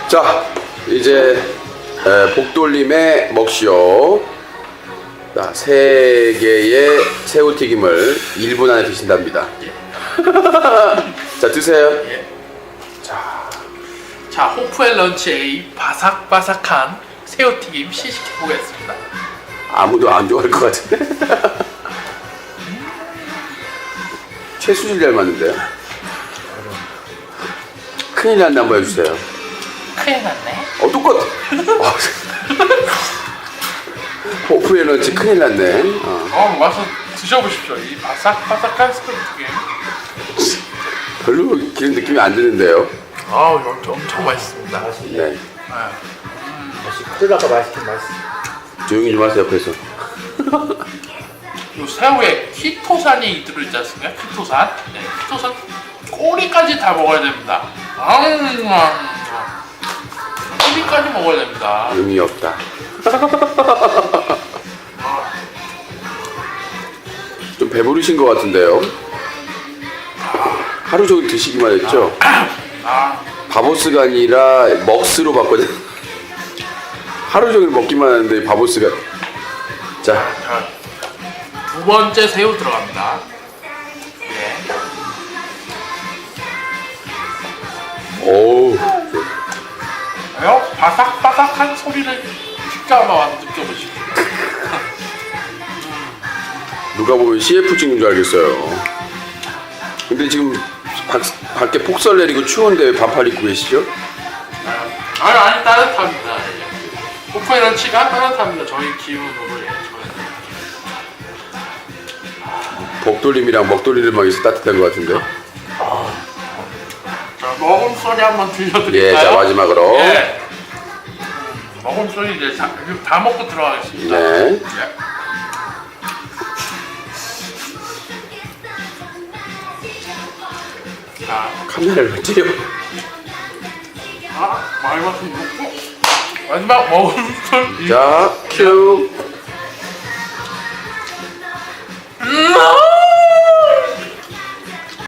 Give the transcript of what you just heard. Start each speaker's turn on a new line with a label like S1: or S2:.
S1: 자, 이제 복돌림의 먹쇼. 자, 3개의 새우튀김을 1분 안에 드신답니다. 자, 드세요.
S2: 예. 자, 호프의 런치에 바삭바삭한 새우튀김 시식해 보겠습니다.
S1: 아무도 안 좋아할 것 같은데. 최수질 닮았는데요. 큰일 났네. 한번 해주세요.
S2: 큰일 났네.
S1: 똑같아. 호프의 런치 큰일 났네.
S2: 와서 드셔보십시오. 이 바삭바삭한 새우튀김.
S1: 별로 기름 느낌이 안 드는데요.
S2: 엄청 맛있습니다.
S1: 네.
S3: 콜라가 맛있긴 맛있어.
S1: 조용히 좀 하세요, 옆에서.
S2: 이 새우에 키토산이 들어있지 않습니까? 키토산. 네, 키토산 꼬리까지 다 먹어야 됩니다. 꼬리까지 먹어야 됩니다.
S1: 의미 없다. 좀 배부르신 것 같은데요. 하루 종일 드시기만 했죠. 바보스가 아니라 먹스로 바꿔야 하루 종일 먹기만 하는데 바보스가. 자,
S2: 두 번째 새우 들어갑니다. 예.
S1: 오우.
S2: 바삭바삭한 소리를 직접 한번 와서 느껴보십시오. 누가
S1: 보면 CF 찍는 줄 알겠어요. 근데 지금 밖에 폭설 내리고 추운데 왜 반팔 입고 계시죠?
S2: 아니 따뜻합니다. 호프의 런치가 따뜻합니다. 저희 기운으로. 예,
S1: 복돌림이랑 먹돌림만 있어 따뜻한 것 같은데.
S2: 자, 먹음 소리 한번 들려드릴까요?
S1: 예, 자 마지막으로.
S2: 예. 먹음 소리 이제 다 먹고 들어가겠습니다.
S1: 네.
S2: 예. 자,
S1: 카메라를 찌려.
S2: 마지막 먹고 마지막 먹음 소리.
S1: 자, 큐.